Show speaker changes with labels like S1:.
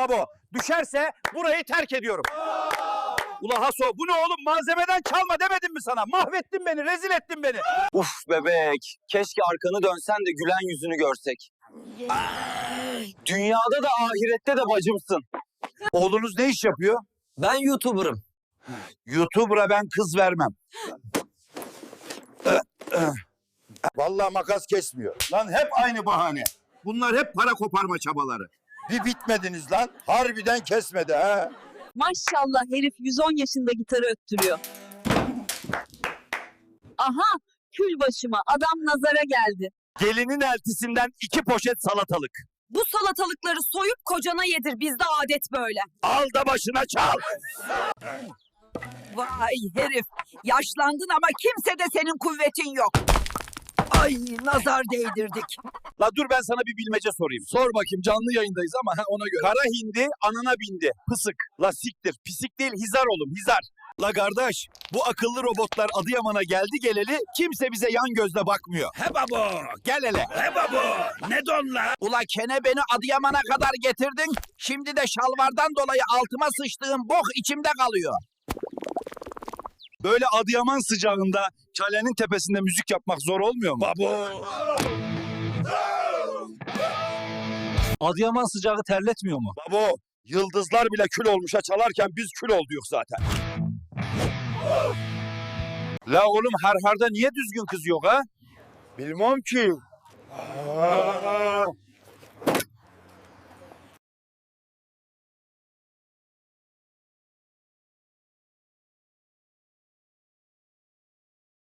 S1: Babo. Düşerse burayı terk ediyorum. Ula Haso bu ne oğlum? Malzemeden çalma demedim mi sana? Mahvettin beni, rezil ettin beni.
S2: Uf bebek. Keşke arkanı dönsen de gülen yüzünü görsek. Dünyada da ahirette de bacımsın.
S1: Oğlunuz ne iş yapıyor?
S2: Ben YouTuber'ım.
S1: YouTuber'a ben kız vermem. Vallahi makas kesmiyor. Lan hep aynı bahane. Bunlar hep para koparma çabaları. Bir bitmediniz lan. Harbiden kesmedi ha.
S3: Maşallah herif 110 yaşında gitarı öttürüyor. Aha kül başıma adam nazara geldi.
S1: Gelinin eltisinden 2 poşet salatalık.
S3: Bu salatalıkları soyup kocana yedir bizde adet böyle.
S1: Al da başına çal.
S3: Vay herif yaşlandın ama kimsede senin kuvvetin yok. Ay nazar değdirdik.
S1: La dur ben sana bir bilmece sorayım.
S4: Sor bakayım, canlı yayındayız ama ona göre.
S1: Kara hindi anana bindi. Pısık. La siktir. Pisik değil hizar oğlum hizar. La kardeş bu akıllı robotlar Adıyaman'a geldi geleli kimse bize yan gözle bakmıyor. He babo gel hele. He babo ne don la? Ula kene beni Adıyaman'a kadar getirdin. Şimdi de şalvardan dolayı altıma sıçtığım bok içimde kalıyor.
S4: Böyle Adıyaman sıcağında kalenin tepesinde müzik yapmak zor olmuyor mu?
S1: Babo.
S4: Adıyaman sıcağı terletmiyor mu?
S1: Babo yıldızlar bile kül olmuşa çalarken biz kül olduk zaten. La oğlum harharda niye düzgün kız yok ha? Bilmem ki.